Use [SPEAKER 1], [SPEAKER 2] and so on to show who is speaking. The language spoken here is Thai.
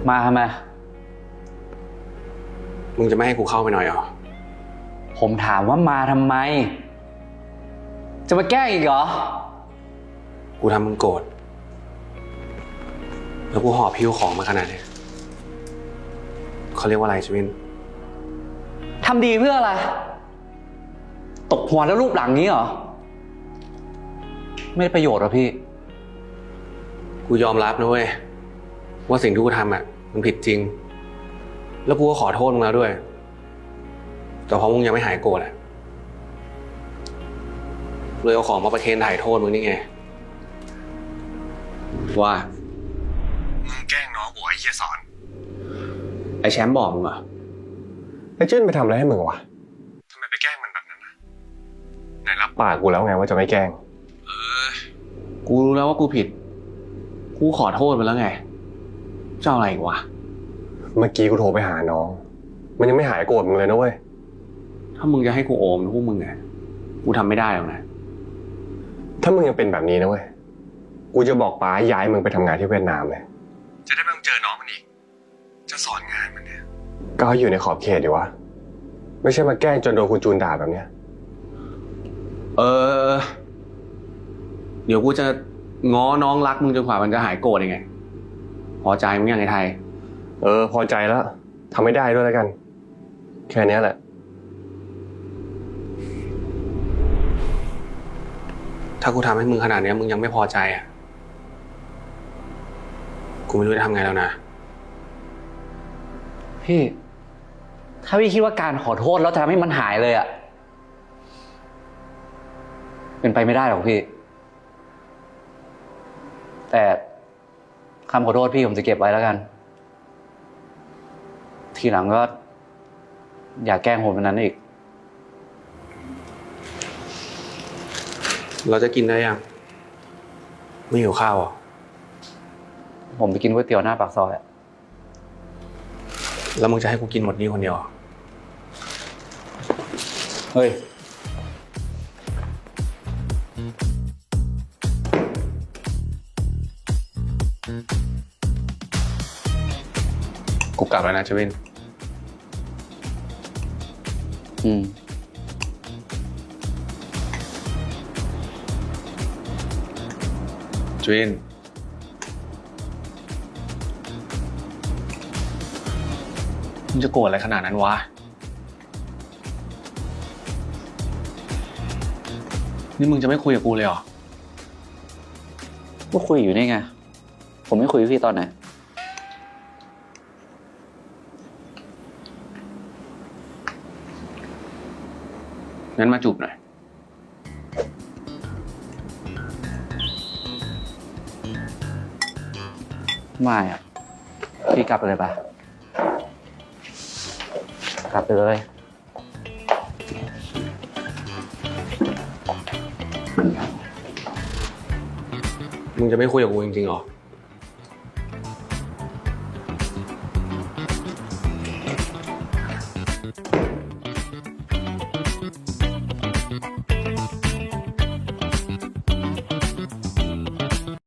[SPEAKER 1] มาทำไม
[SPEAKER 2] มึงจะไม่ให้กูเข้าไปหน่อยเหรอ
[SPEAKER 1] ผมถามว่ามาทำไมจะมาแกล้งอีกเหรอ
[SPEAKER 2] กูทำมึงโกรธแล้วกูหอบพิ้วของมาขนาดนี้เขาเรียกว่าอะไรชวิน
[SPEAKER 1] ทำดีเพื่ออะไรตกหัวแล้วรูปหลังนี้เหรอไม่ได้ประโยชน์หรอพี่
[SPEAKER 2] กูยอมรับนะเว้ยว่าสิ่งที่กูทำมันผิดจริงแล้วกูก็ขอโทษมึงแล้วด้วยแต่เพราะมึงยังไม่หายโกรธเลยเอาของมาประเคนถ่ายโทษมึงนี่ไงว่ามึงแกล้งน้องกูไอ้เหี้ยสอนไอ้แชมป์บอกมึงเหรอ
[SPEAKER 3] ไอ้จิ้นไปทำอะไรให้มึงวะ
[SPEAKER 2] ทำไมไปแกล้งมันแบบนั้นนะไหนรับ
[SPEAKER 3] ปากกูแล้วไงว่าจะไม่แกล้ง
[SPEAKER 2] กูรู้แล้วว่ากูผิดกูขอโทษไปแล้วไงเจ้าอะไรอีกวะ
[SPEAKER 3] เมื่อกี้กูโทรไปหาน้องมันยังไม่หายโกรธมึงเลยนะเว้ย
[SPEAKER 2] ถ้ามึงจะให้กูโอมพวกมึงไงกูทำไม่ได้หรอกนะ
[SPEAKER 3] ถ้ามึงยังเป็นแบบนี้นะเว้ยกูจะบอกป้าย้ายมึงไปทำงานที่เวียดนามเลย
[SPEAKER 2] จะได้ไม่ต้องเจอน้องมันอีกจะสอนงานมันเนี่ย
[SPEAKER 3] ก็อยู่ในขอบเขตดีวะไม่ใช่มาแกล้งจนโดนคุณจูนด่าแบบเนี้ย
[SPEAKER 2] เดี๋ยวกูจะง้อน้องรักมึงจนกว่ามันจะหายโกรธยังไงพอใจมึงยังไงไทย
[SPEAKER 3] พอใจแล้วทำไม่ได้ด้วยแล้วกันแค่นี้แหละ
[SPEAKER 2] ถ้ากูทำให้มึงขนาดนี้มึงยังไม่พอใจกูไม่รู้จะทำไงแล้วนะ
[SPEAKER 1] พี่ถ้าพี่คิดว่าการขอโทษแล้วจะทำให้มันหายเลยเป็นไปไม่ได้หรอกพี่แต่คำขอโทษพี่ผมจะเก็บไว้แล้วกันทีหลังก็อย่าแกล้งผมแบบนั้นอีก
[SPEAKER 2] เราจะกินได้ยังไม่หิวข้าวอ่ะ
[SPEAKER 1] ผมไปกินก๋วยเตี๋ยวหน้าปากซอย
[SPEAKER 2] แล้วมึงจะให้กูกินหมดนี้คนเดียว
[SPEAKER 1] เฮ้ย
[SPEAKER 2] กูกลับแล้วนะเจวินเจวินมึงจะโกรธอะไรขนาดนั้นวะนี่มึงจะไม่คุยกับกูเลยเหรอ
[SPEAKER 1] ก็คุยอยู่นี่ไงผมไม่คุยกับพี่ตอนไหน
[SPEAKER 2] งั้นมาจูบหน่อย
[SPEAKER 1] ไม่อ่ะพี่กลับไปเลยปะกลับไปเลย
[SPEAKER 2] มึงจะไม่คุยกับกูจริงๆหรอ